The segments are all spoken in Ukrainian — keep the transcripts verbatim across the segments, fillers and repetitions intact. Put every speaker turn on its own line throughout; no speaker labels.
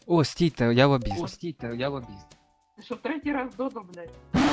О, стійте, я лобіст.
О, стійте, я лобіст.
Ти що, третій раз Додо, блядь?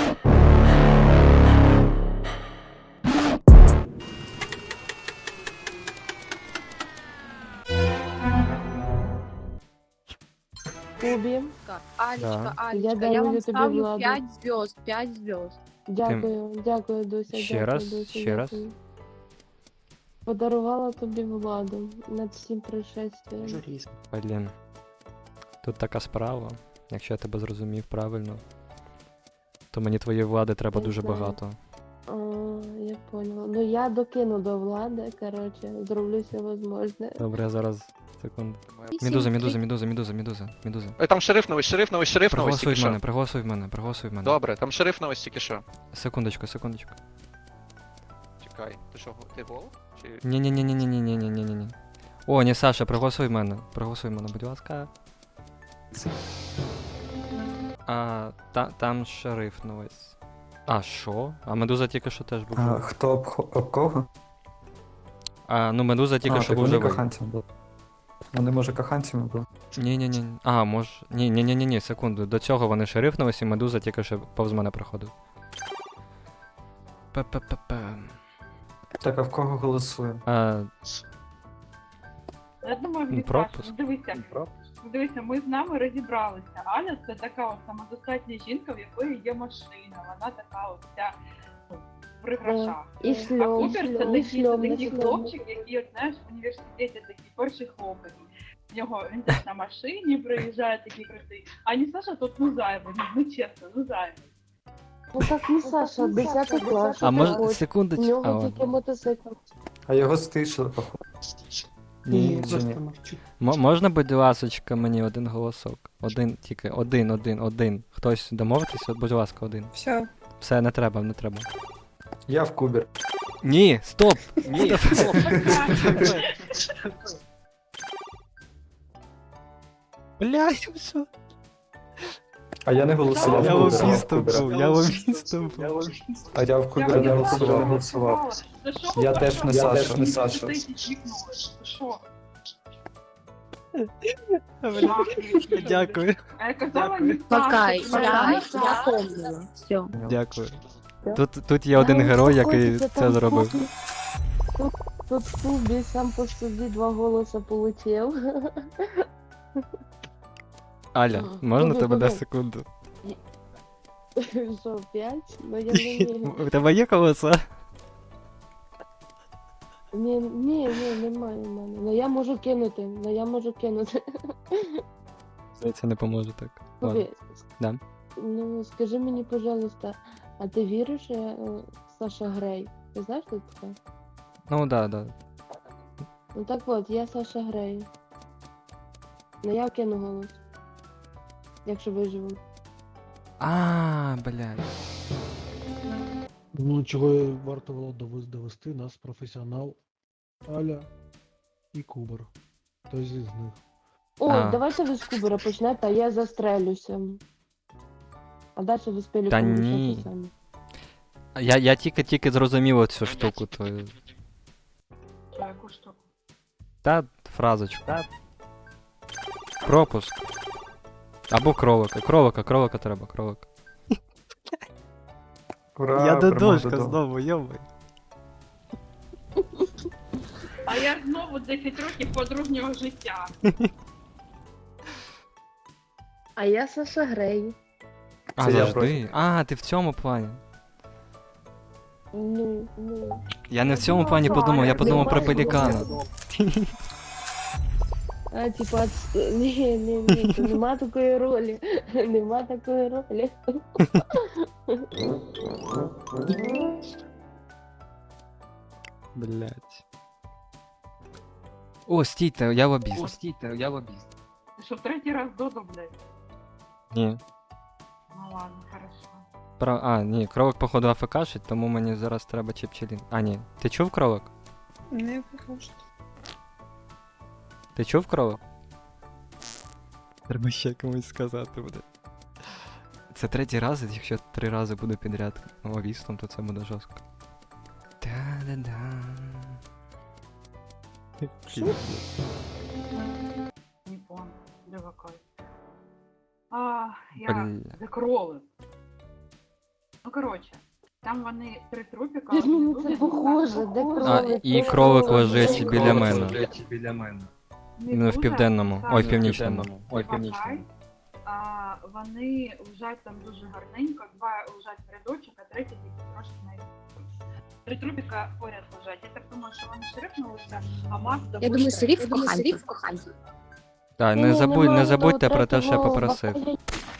Кубі,
Алечка,
Да.
Алечка,
Я
я,
дарую
вам
тобі
ставлю
владу.
пять звезд, пять звезд.
дякую, дякую, Дуся.
Ще
дякую,
раз,
Дуся,
ще раз.
дякую. Подарувала тобі владу над всім пришествием.
Журіст.
Блін. Тут така справа. Якщо я тебе зрозумів правильно, то мені твоєї влади треба
Не
дуже
знаю.
багато.
А, я поняла. Ну я докину до влади, короче, зроблю все возможне.
Добре, я зараз. Секунду.
Вісім,
Медуза,
три-
медуза, медуза, медуза, медуза, медуза.
Ой, там шериф новий, шериф новий, шериф новий
Проголосуй
тільки
в мене,
що.
проголосуй в мене, проголосуй в мене.
Добре, там шериф новий тільки що.
Секундочку, секундочку.
Чекай, ти що, ти гол? Чи...
ні ні ні ні ні ні ні ні ні ні О, ні, Саша, проголосуй в мене. Проголосуй в мене, будь ласка. А, та, там шериф новий. А, що? А медуза тільки що теж був.
А,
живий.
хто об, об кого?
А, ну медуза тільки
а,
що
так
був
вони
живий.
коханцями були. Вони, може, коханцями були?
Ні, ні, ні. А, може. Ні, ні, ні, ні, ні, секунду. До цього вони шериф новий, і медуза тільки що повз мене проходив. П-п-п-п.
Так, а в кого голосуємо?
А,
Я думаю,
Ну,
Віташ,
пропуск.
ну дивися, ну, дивися, ми з нами розібралися. Аля це така от самодостатня жінка, в якої є машина. Вона така от вся ну, при грошах.
І
А
шльом,
Купер це
шльом,
такий, це
шльом,
такий
шльом.
хлопчик, який, от, знаєш, в університеті такий перший хлопець. В нього він теж на машині приїжджає такий крутий. А не Саша тут ну зайвий, ну чесно, ну зайвий.
Ну так не Саша, десятий клас.
а
що
може,
ти хочеш? У
секундочку. А,
нього
ладно.
тільки мотоцикл.
А його стишили, походу.
Ні,
Чи ні?
М- можна, будь ласочка, мені один голосок? Один, тільки один, один, один. Хтось домовитись, от, будь ласка, один.
Все.
Все, не треба, не треба.
Я в Кубер.
Ні, стоп!
Ні, стоп.
Бля, що?
А я не голосував.
Я
в Кубера,
лобістом
в Кубера.
був, я лобістом був.
А я в Кубера не
Я
голосував.
голосувала. Це що
Я
ви
теж
так
не
само
Саша.
в
Саша.
університеті чмікнули? Це що?
Дякую,
А я казала, не Саша.
Пока,
це
я,
правда.
я помнила. Все.
дякую. Тут, тут є один герой, який це зробив.
Тут, тут Кубі сам по собі два голоса получив.
Аля, можна
Кубі,
тебе на
Кубі.
секунду?
Що, п'ять? Ну я не вірю.
У тебе є голоса?
Ні, ні, ні, немає в мене. Ну я можу кинути, ну я можу кинути.
Це не поможе так. Ладно.
Кубі,
Да.
ну скажи мені, пожалуйста, а ти віриш, е, Саша Грей? Ти знаєш, хто це?
Ну да, да.
Ну так от, я Саша Грей. Ну я кину голос. Якщо виживу.
А, блядь.
Ну, чого й варто було довез- довести нас професіонал Аля і Кубер. Хтось із них.
О,
А.
давайте ви з Кубера почнете, а я застрелюся. А далі ви з Пеліком
Та
рішайте
ні.
самі.
Я, я тільки-тільки зрозумів цю штуку твою.
Що, яку штуку?
Та фразочку. Пропуск. Або кролика. Кролика, кролика треба, кролика.
Ура, перемога Додо.
знову, йомай.
А я знову десять років подружнього життя.
А я Саша Грей.
А,
Це я
завжди. А, ти в цьому плані.
Ну, ну.
Я не в цьому плані подумав, я подумав про пелікана.
А, типа, ні, ні, ні, то нема такої ролі. Нема такої ролі.
Блять. О, стійте, я
О,
лобіст.
стійте, я лобіст.
Ти що, третій раз Додо, блядь?
Ні.
Ну ладно, хорошо.
Про... А, ні, кролик походу АФКшить, тому мені зараз треба чіпчелін. А, ні. Ти чув кролик?
Не похоже.
Ти чув кролик? Треба ще комусь сказати буде. Це третій раз, і якщо три рази буду підряд лобістом, то це буде жорстко. Та-да-да.
Не понял. Де вакай? А, я
Бля.
закроли. Ну, коротше, там вони три трупіка.
Як мені
один
це
дуже
похоже, де
похоже.
А,
кролик?
і
Де
кролик
кролик?
лежить
Де
біля
кролик?
мене.
біля мене.
Ну, в південному. Ой, в північному.
Ой,
Два хай. А, вони лежать там дуже гарненько, два лежать в рядочок, а третій тільки трошки на Три трупіка поряд лежать. Я так думаю, що вони шрифнулися, а Макс
Я думаю, шериф коханців.
Так,
Ні,
не забудь,
немає
не забудьте
того
про те, що я
третього
попросив.
бакалея.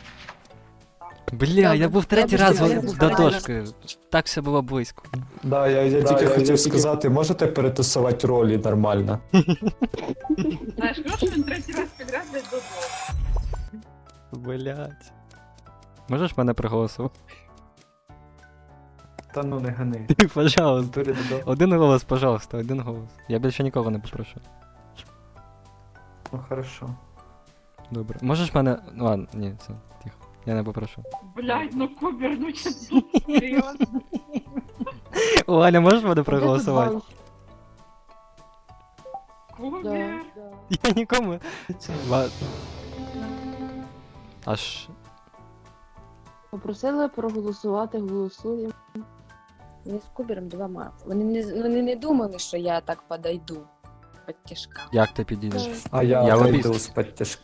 Бля, я був третій раз
Добре,
в-
добре.
до дошки. Так все було близько.
Да, я, я тільки хотів сказати, можете перетасувати ролі нормально?
Знаєш, що він третій раз підряд десь додому.
Блять. Можеш мене проголосувати?
Та ну не гани.
Ти, пожалуйста.
Турі додому.
Один голос, пожалуйста, один голос. Я більше нікого не попрошу.
Ну хорошо.
Добре. Можеш мене. Ну ладно, ні, все, тихо. Я не попрошу.
Блядь, ну Кубер, ну чи серйозно?
О, Аня, можеш мене
Де тут
проголосувати?
банк?
Кубер.
Да, да.
Я нікому. Ладно. Аж.
Попросили проголосувати, голосуємо.
Вони з Кубером двома. Вони не, вони не думали, що я так подойду. Подтяжка.
Як ти підійдеш?
А я,
Я
вийду
лобіст.
з підтяжки.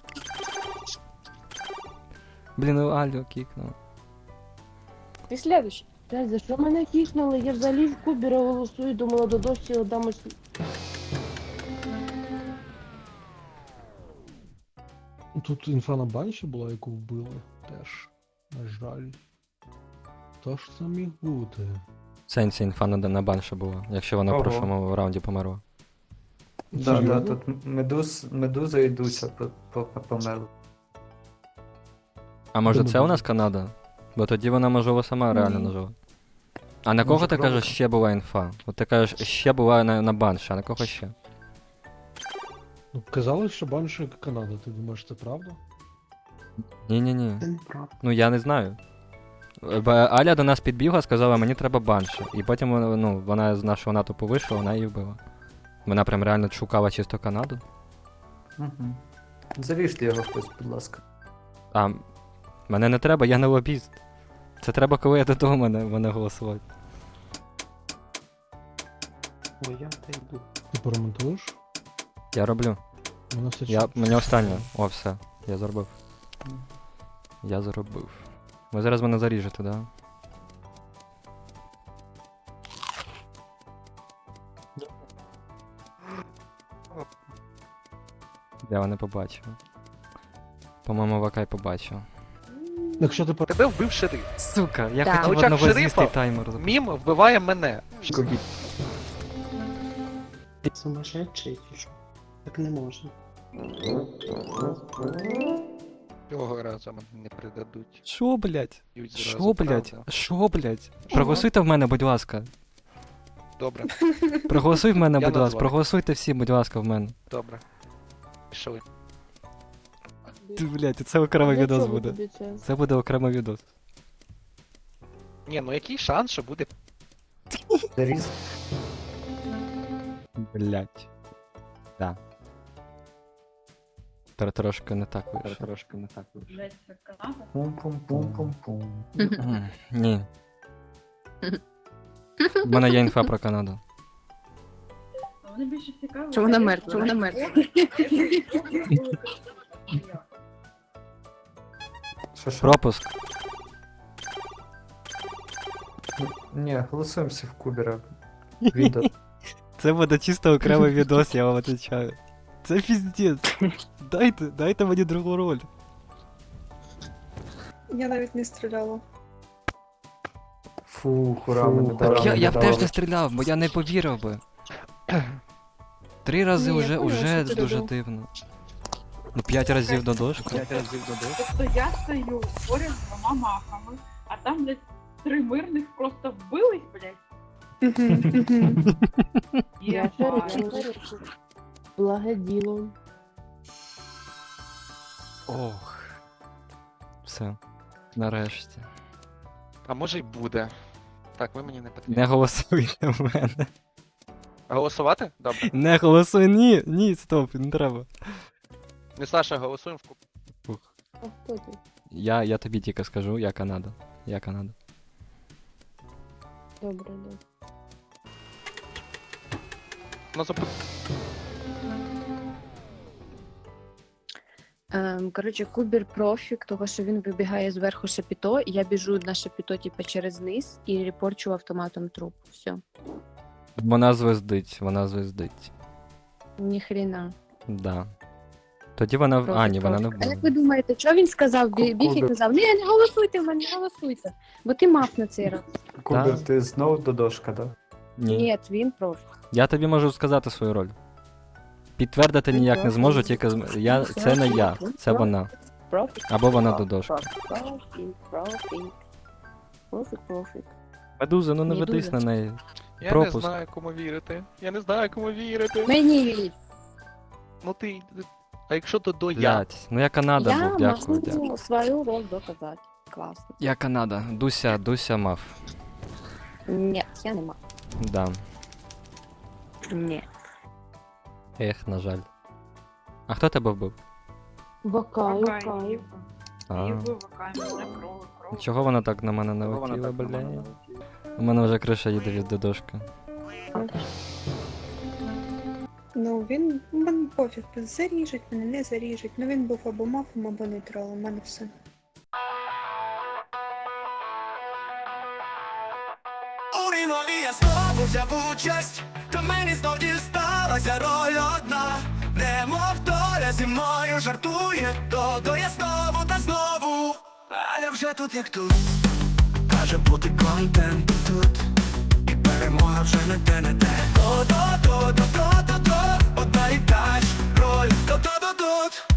Блін, ну Алю кікнув.
Ти следующий.
Блядь, за що мене кікнули? Я взагалі в Кубера голосую, думала, до дощі отдамось.
Тут інфа на банші була, яку вбили. Теж. На жаль. Хто ж це міг бути?
Сенсі інфа на, на банше була, якщо вона в
Ого.
прошлому раунді померла.
Да, да,
Серйозно?
тут медуз, медуза і Дуся по- по- по- померли.
А може
Думаю,
це у
буде.
нас Канада? Бо тоді вона, можливо, сама реально
Ні.
нажила. А на кого
Може,
ти кажеш,
кролика?
ще була інфа? От ти кажеш, ще була на, на банші, а на кого ще?
Ну, казали, що банші Канада. Ти думаєш, це правда?
Ні-ні-ні. Ну я не знаю. Бо Аля до нас підбігла, сказала, мені треба банші. І потім вона, ну, вона з нашого натовпу вийшла, вона її вбила. Вона прям реально шукала чисто Канаду.
Угу. Заріжте його хтось, будь ласка.
А мене не треба, я не лобіст. Це треба, коли я додому мене, мене голосувати.
Ой, я та йду.
Ти поремонтуєш?
Я роблю.
Мене все
Я,
чуть.
мені останнє. О, все. Я зробив. Я зробив. Ви зараз мене заріжете, да? Я не побачив. По-моєму, Вакай побачив.
Якщо ти пор...
Тебе вбив шериф.
Сука, я
Так.
хотів
На очах
однозвістий
шерифа
таймер запустити.
Мім вбиває мене.
Ти сумасшедший чи що? Так не можна.
Цього разу мене не придадуть.
Шо, блять?
Б'ють
Шо,
зразу,
блять?
правда?
Шо, блять? Проголосуйте в мене, будь ласка.
Добре,
Проголосуй в мене,
Я
будь ласка.
назвав.
Проголосуйте всі, будь ласка, в мене.
добре. Пішли.
Ти, блять, це окремий
Для
відос
чого
буде.
тобі це?
Це буде окремий відос.
Ні, ну який шанс, що буде.
Заріз.
Блять. Да. Тр- Трошки не так вийшло.
Трошки не так вийшло.
Блядь, це Канада?
Пум-пум-пум-пум-пум.
М, Ні. У мене є інфа про Канаду.
Ну, Вони більше цікаві.
Що вона мертва, що вона мертва.
Що, що?
Пропуск.
Ні, голосуємо всі в Кубера. Відео.
Це буде чисто окремий відос, я вам отвечаю. Це піздець. Дайте, дайте мені другу роль.
Я навіть не стріляла.
Фу, хура, Фу, мене хура.
Так
Так,
я,
не
я б
дали.
теж не стріляв, бо я не повірив би. Три рази
Ні, я
уже,
поняла,
уже
що ти
дуже
робив.
дивно. Ну п'ять разів до дошки.
Тобто я стою поряд з двома махами, а там, блядь, три мирних просто вбились, блядь.
Я
Єбать.
шериф. Благе діло.
Ох. Все. Нарешті.
А може й буде. Так, ви мені не потрібні.
Не голосуйте в мене.
Голосувати? Добре.
Не голосуй, ні, ні, стоп, не треба.
Не Саша, голосуємо в куб.
Фух.
А хто ти?
Я, я тобі тільки скажу, я Канада. Я Канада.
Добре, добре.
Ну, зап...
Ем, коротше, Кубір профік, того що він вибігає зверху шапіто, і я біжу на шапіто, типу, через низ і репорчу автоматом труп. Все.
Вона звездить, вона звездить.
Ніхрена.
Да. Тоді вона. в- А, ні, вона не
А як ви
вбила.
думаєте, що він сказав? Бі- Біг і
Кубер.
казав, ні, не голосуйте в мене, не голосуйте. Бо ти мав на цей раз.
Кубер, ти знову додошка, да?
Ні.
Ні, він профік.
Я тобі можу сказати свою роль. Підтвердити ніяк не зможу, тільки з... я... це не я, це вона.
Профік.
Або вона додошка.
Профік, профік. Профік, профік.
Медуза, ну не
Медуза.
ведись на неї.
Я
Пропуск.
не знаю, кому вірити. Я не знаю, кому вірити.
Мені вірить.
Ну ти. А якщо то до я?
Блять, ну я Канада
Я
був, дякую, дякую.
можу свою роль доказати. Класно.
Я Канада. Дуся, Дуся мав.
Ні, я не мав.
Да.
Ні.
Ех, на жаль. А хто тебе вбив?
Вакаю,
Вакай,
каю.
Єва.
А.
Єва, Вакай, мене кров, кров.
Чого вона так на мене налетіла, бля? У мене вже криша їде від додошки.
Ну, він мене пофіг, заріжуть, мене не заріжуть. Ну він був або мафом, або нейтралом, у мене все.
У рівнові я знову взяв участь, та мені знов дісталася роль одна. Немов доля зі мною жартує, то до я знову та знову. А я вже тут як тут, каже бути контент тут. І перемога вже не те, не те. То-то-то-то-то-то-то, одна і та ж роль, то-то-то-тут.